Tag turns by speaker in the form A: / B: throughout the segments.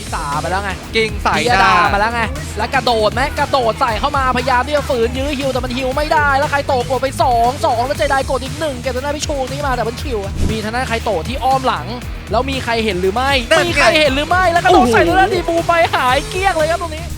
A: สาไปแล้วไง
B: กิ่งใส่
A: ดามาแล้วไงแล้วกระโดดไหมกระโดดใส่เข้ามาพยายามที่จะฝืนยื้อฮิวแต่มันฮิวไม่ได้แล้วใครโตกดไป2แล้วเจไดกดอีก1เก็บทางด้านพิชูนี่มาแต่มันคิวมีทางด้านใครโตที่อ้อมหลังแล้วมีใครเห็นหรือไม่มีใครเห็นหรือไม่แล้วกระโดดใส่ทางด้านดีบูไปหายเกลี้ยงเลยครับตรงนี้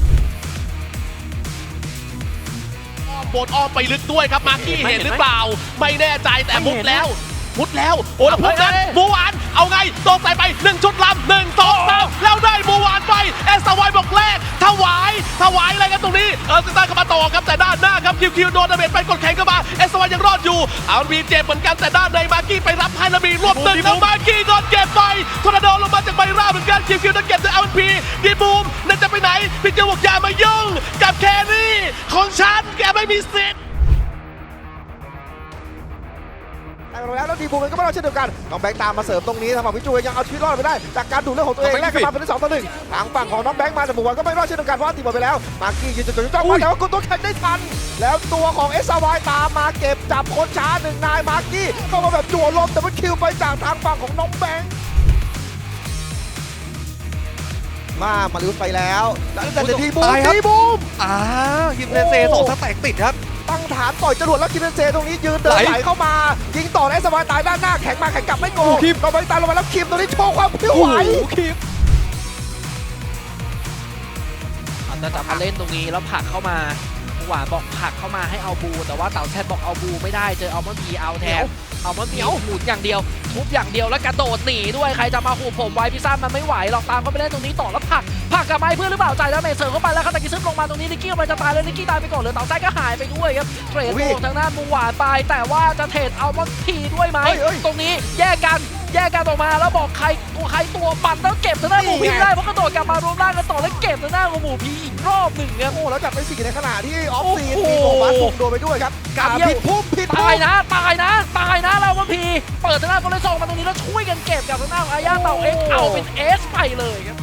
C: บนอ้อมไปลึกด้วยครับมาร์กี้เห็นหรือเปล่าไม่แน่ใจแต่มุดแล้วโอ้แล้วพุกนั้นบูวานเอาไงตรงใส่ไป1ชุดลำ1 2 3แล้วได้บูวานไปเอสวายบอกแรกถวายอะไรกันตรงนี้สตาร์เข้ามาต่อครับแต่ด้านหน้าครับคิวโดนดาเมจไปกดแข่งเข้ามาเอสวายยังรอดอยู่เอาบีเจ็บเหมือนกันแต่ด้านในมาร์กี้ไปรับไฮแล้วมีรวบตึงแล้วมาร์กี้โดนเก็บไปทอร์นาโดลงมาจากใบราเหมือนกันคิวโดนเก็บด้วยพีดีบูมนั่นจะไปไหนพี่เจ้าบอกอย่ามายุ่งกับแครี่ของฉันแกไม่มีสิทธิ์
D: แล้วดีบูมันก็ไม่รอดเช่นเดียวกันน้องแบงค์ตามมาเสริมตรงนี้ทางฝั่งพิจูยังเอาชีวิตรอดไปได้จากการดูดเรื่องของตัวเองแลกกันมาเป็น2 ต่อ 1ทางฝั่งของน้องแบงค์มาแต่บุกวันก็ไม่รอดเช่นเดียวกันเพราะตีหมดไปแล้วมาร์กี้ยืนจุดจ้องมาแต่ว่ากดตัวแข่งได้ทันแล้วตัวของเอสวายตามมาเก็บจับคนช้า1 นายมาร์กี้เข้ามาแบบจั่วลมแต่มันคิวไปจากทางฝั่งของน้องแบงค์มาลิวไปแล้วแต่ดีบูม
B: คิมเซนเซ2 สแต็กติดครับ
D: ตั้งฐานต่อยจรวดแล้วคิมเบนเซตรงนี้ยืนเดินไหลเข้ามายิงต่อได้สบายตายด้านหน้าแข็งมาแข็งกลับไม่โกงเราไปตายลงมาแล้วคิมตรงนี้โชว์ความผิวไหว
A: คิมอันนั้นจะมาเล่นตรงนี้แล้วผลักเข้ามาหวานบอกผลักเข้ามาให้เอาบูแต่ว่าเต่าแชทบอกเอาบูไม่ได้เจอเอามันพีเอาแทนเอามันพีหมุนอย่างเดียวทุบอย่างเดียวแล้วกระโดดหนีด้วยใครจะมาหูผมไว้พิซซ่ามันไม่ไหวหรอกตามเขาไปเล่นตรงนี้ต่อแล้วผลักกับไม้เพื่อนหรือเปล่าใจแล้วเมเซอร์เข้าไปแล้วคาตากิซึลงมาตรงนี้นิกกี้มันจะตายเลยนิกกี้ตายไปก่อนเลยเต่าแชทก็หายไปด้วยครับเทรดโกทางด้านบูหวานไปแต่ว่าจะเทรดเอามันพีด้วยไหมตรงนี้แยกกันออกมาแล้วบอกใครตัวปั่นแล้วเก็บทางด้านหมูพีได้เพราะกระโดดกลับมารวมร่างกันต่อแล้วเก็บทางด้านของหมูพีอีกรอบหนึ่งครับ
D: โอ้แล้วจับไป4ในขณะที่ออฟซีนมีของบาสโดนไปด้วยครับการผิดพุ่ม
A: ตายนะแล้วมันพีเปิดทางด้านคนเลยส่งมาตรงนี้แล้วช่วยกันเก็บกับทางด้านอาญาเต่าเอ็กเอาเป็นเอสไปเลยครับ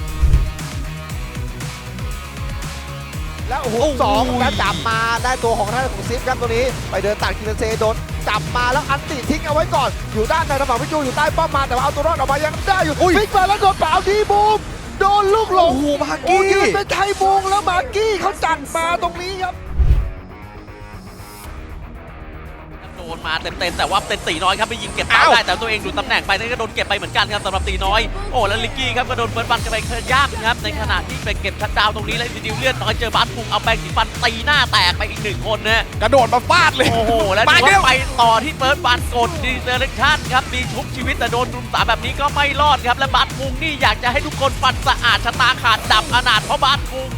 D: แล้ว2แล้วจับมาได้ตัวของท่านของซิฟครับตัวนี้ไปเดินตัดคิมเบนเซโดนจับมาแล้วอันติทิ้งเอาไว้ก่อนอยู่ด้านในระหว่างพิจูอยู่ใต้ป้อมมาแต่ว่าเอาตัวรอดออกมายังได้อยู่ฟิกมาแล้วโดนเปล่าดีบูมโดนลูกหลง
B: มาร์กี้
D: ยืนเป็นไทบูงแล้วมาร์กี้เขาจัดมาตรงนี้ครับ
C: โดนมาเต็มแต่ว่าเป็นตีน้อยครับไปยิงเก็บได้แต่ตัวเองดูตำแหน่งไปนั่นก็โดนเก็บไปเหมือนกันครับสำหรับตีน้อยโอ้แล้วลิกกี้ครับก็โดนเฟิร์สบันกันไปยากครับในขณะที่ไปเก็บชัดดาวตรงนี้แล้วดิวเลือดน้อยเจอบาสปุงเอาแปรงสีฟันตีหน้าแตกไปอีก1 คนนะ
B: กระโดดมาฟาดเลย
C: โอ้โหแล้วดูว่าไปต่อที่เฟิร์สบันกดดีเซอร์เรชั่นครับมีชุบชีวิตแต่โดนรุม3แบบนี้ก็ไม่รอดครับและบาสปุงนี่อยากจะให้ทุกคนฟันสะอาดชะตาขาดดับอนาถเพราะบาสปุง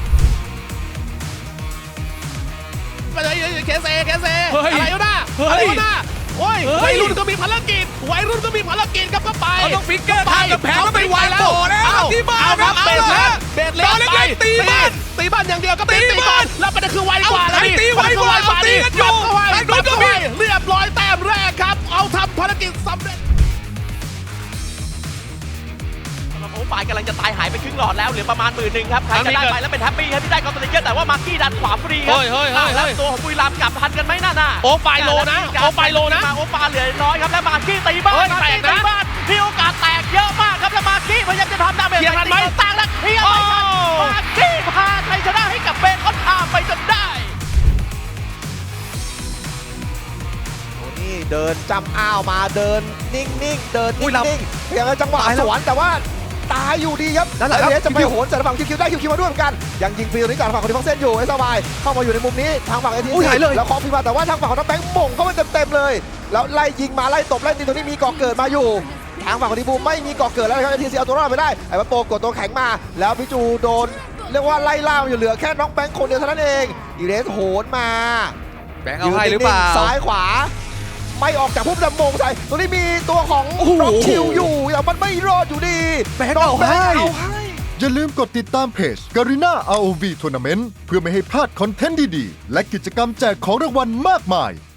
C: อะไรวะน่ะโอ้ยวัยรุ่นก็มีภารกิจครับก็ไป
B: ต้องฟิกเกอร์ทางกับแผงก็ไปไวแล้วที่บ้าน
C: ครับเบสเล็กไปตีบ้านอย่างเดียวก็ตีบ้านแล้วประเด็นคือไวกว่าแล้ว
B: ตีไวกว่าตีกันอยู่
C: โดนก็มีเรียบร้อยแต้มแรกครับเอาทำภารกิจสำเร็จโอ้ปายกำลังจะตายหายไปครึ่งหลอดแล้วเหลือประมาณ10,000ครับใครจะได้ไปแล้วเป็นแฮปปี้ครับที่ได้กอล์ฟสติกเกอร์แต่ว่ามาร์กี้ดันขวาฟรีครับแล้วตัวของบุรีรัมย์กลับทันกันไหมน่ะ
B: โอ้ไฟโลนะ
C: โอ้ปาเหลือน้อยครับแล้วมาร์กี้ตีบ้านมีโอกาสแตกเยอะมากครับแล้วมาร์กี้พยายามจะทำดาเมจตั้งแล้วเฮียไม่ทันมาร์กี้พาชัยชนะให้กับเบนคอนทามไปจนได้
D: นี่เดินจำอ้าวมาเดินนิ่งเดินนิ่งพยายามจังหวะสวนแต่ว่าตายอยู่ดีครับแล้วเดี๋ยวจะไปโหนแต่ฝั่งคิวได้คิวมาด้วยเหมือนกันยังยิงฟรีตรงนี้ก่อนฝั่งคนที่ฟังเส้นอยู่ไอ้สบายเข้ามาอยู่ในมุมนี้ทางฝั่งไอทีแล้วคอฟรีมาแต่ว่าทางฝั่งของน้องแบงค์ม่งเข้ามาเต็มเลยแล้วไล่ยิงมาไล่ตบไล่ตีตรงนี้มีก่อเกิดมาอยู่ทางฝั่งของทีบูไม่มีก่อเกิดแล้วครับไอทีเอาตัวรอดไปได้ไอ้วัดโปกดตัวแข็งมาแล้วพิจูโดนเรียกว่าไล่ล่าอยู่เหลือแค่น้องแบงค์คนเดียวเท่านั้นเองอีเรสโหนมา
B: แบงค์เอาให้หรือเปล่า
D: ซ้ายขวาไม่ออกจากพุ่มดำมงใส่ตรงนี้มีตัวของน้องคิวอยู่แต่มันไม่รอดอยู่ดี
B: แบงค์เอาให้
E: อย่าลืมกดติดตามเพจ Garena ROV Tournament เพื่อไม่ให้พลาดคอนเทนต์ดีๆและกิจกรรมแจกของรางวัลมากมาย